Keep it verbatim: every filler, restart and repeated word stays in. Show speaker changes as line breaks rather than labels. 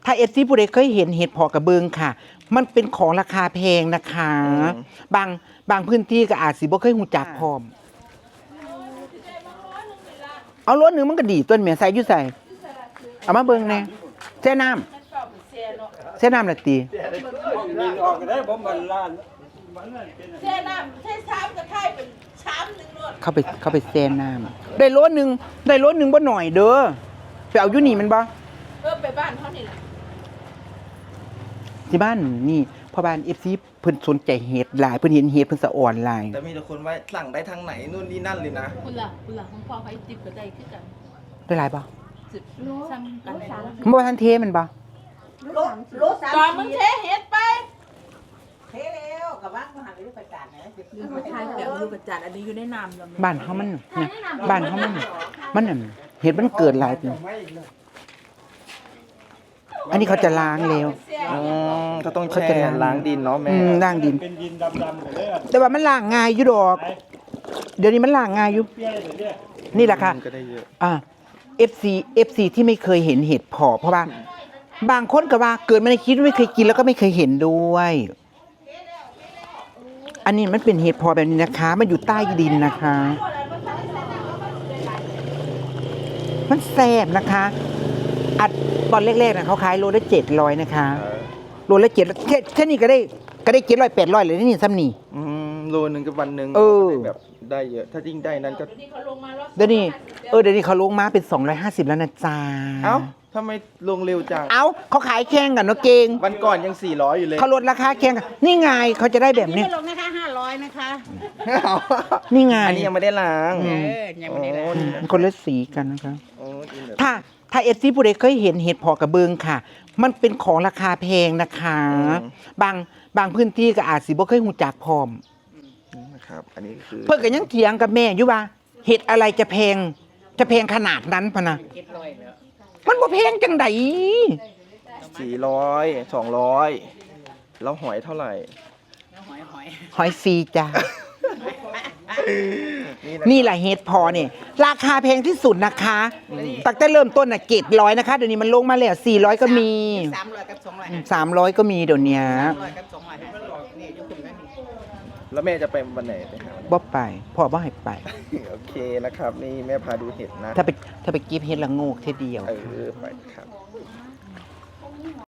ถ้าเอฟซีผู้ใดเคยเห็นเห็ดเพาะกระเบิงค่ะ มันเป็นของราคาแพงนะคะ บางบางพื้นที่ก็อาจสิบ่เคยหูจักพร้อมเอารถหนึ่งมันก็ดีต้นเมียใส่อยู่ใส่เอามาเบิ่งแน่แช่น้ำแช่น้ำละตี
ออกก็ได้บ่มันล้าน
แช่น้ำแช่ช้ำกระไทยเป็นช้ำหนึ่งรถ
เข้าไปเข้าไปแช่น้ำได้รถหนึ่งได้รถหนึ่งบ่หน่อยเด้อไปเอาอยู่นี่มันบ่
เออไปบ้านเขานี่แหละ
ที่บ้านนี่พ่อบ้าน เอฟ ซี เพิ่นสนใจเห็ดหลายเพิ่นเห็นเห็ดเพิ่นสะอ่อนหลาย
แต่มีแต่คนว่าสั่งได้ทางไหนนู่นนี่นั่นเลยนะ
คุณล่ะคุณล่ะของพ่อเขาจิบก็ได้คือกัน
ได้หลายบ่
สิบซ้ำกันเลย
มันบ่ทันเทมันบ่
รถรถสาม
ตอนมึงเทเฮ็ดไป
เทแล้วกับว่างมหาวิทยาลัยประกาศนะ
ลืมไปทายแบบอยู่ประจัดอันนี้อยู่ในน้ำแล้ว
บ้านเฮามันเนี่ยบ้านเฮามันมันนั่นเห็ดมันเกิดหลายปีอันนี้เขาจะล้างแล้ว
อืมก็ต้อง
เขา
แช่
จะล้าง
ล้างดินเนาะแม่
อืมล้างดิน
เป็นดินดำๆหมดเลยอะ
แต่ว่ามันล้างง่ายอยู่ดอก เดี๋ยวนี้มันล้างง่ายอยู่
เปรี้ยวเลยเนี่ย
นี่แหละค่ะ
ก็ได้เยอะ
อ่า เอฟ ซี เอฟ ซี ที่ไม่เคยเห็นเห็ดเพาะเพราะว่า บางคนก็ว่าเกิดมาในชีวิตไม่เคยกินแล้วก็ไม่เคยเห็นด้วย อันนี้มันเป็นเห็ดเพาะแบบนี้นะคะ มันอยู่ใต้ดินนะคะ มันแซ่บนะคะ อัดตอนแรกๆนะเขาขายโลละเจ็ดร้อยนะคะโลละเจ็ดแค่แค่นี้ก็ได้ก็ได้เจ็ดร้อยแปดร้อยเลยนี่ซ้ำนี่
อืมโลนึงก็วันหนึง
เออ
ก็ได้แบบได้เยอะ ถ้ายิ่งได้นั้นก็
นี่เขาลงมารอบ
เดี๋ยวนี้เออเดี๋ยวนี้เขาลงมาเป็นสองร้อยห้าสิบแล้วนะจ๊ะ
เอ้าทำไมลงเร็วจัง
เอ้าเขาขายแข่งกันเนาะเก่ง
วันก่อนยังสี่ร้อยอยู่เลย
เขาลดราคาแข่งกันนี่ไงเขาจะได้แบบนี้
ไม่ลงนะคะห้าร้อยนะคะ
เอา
นี่ไง
อันนี้ยังไม่ได้ล้าง
อืม
เออยังไม่ได้
โอ้
เลย
มันคนละสีกันนะคะ
โอ้กินแบบ
ถ้าถ้าเอฟซีผู้ใดเคยเห็นเห็ดเพาะกระเบิงค่ะ มันเป็นของราคาแพงนะคะ บางบางพื้นที่ก็อาจสิบ่เคยหูจักพร้อม
นะครับ อันนี้คือ
เพิ่นก็ยังเถียงกับแม่อยู่ว่าเห็ดอะไรจะแพง จะแพงขนาดนั้นพะนะ
เจ็ดร้อยแล้ว
มันบ่แพงจังได
สี่ร้อยสองร้อยแล้วหอยเท่าไหร่
หอยหอย
หอยฟรีจ้า
นี่นะ
นี่แหละเห็ดเพอเนี่ยราคาแพงที่สุดนะคะตั้งแต่เริ่มต้นน่ะเจ็ดร้อยนะคะเดี๋ยวนี้มันลงมาแล้วสี่ร้อยก็มี
สามร้อยกับสองร้อย
สามร้อยก็มีเดี๋ยวนี้
สามร้อยกับสองร้อยนี่อยู่คุณนั่นนี่
แล้วแม่จะไปวันไหนไปหา
บ่ไปพ่อบ่ให้ไป
โอเคนะครับ นี่แม่พาดูเห็ดนะ
ถ้าไปถ้าไปเก็บเห็ดละโงกเท่เดียว
เออไปครับ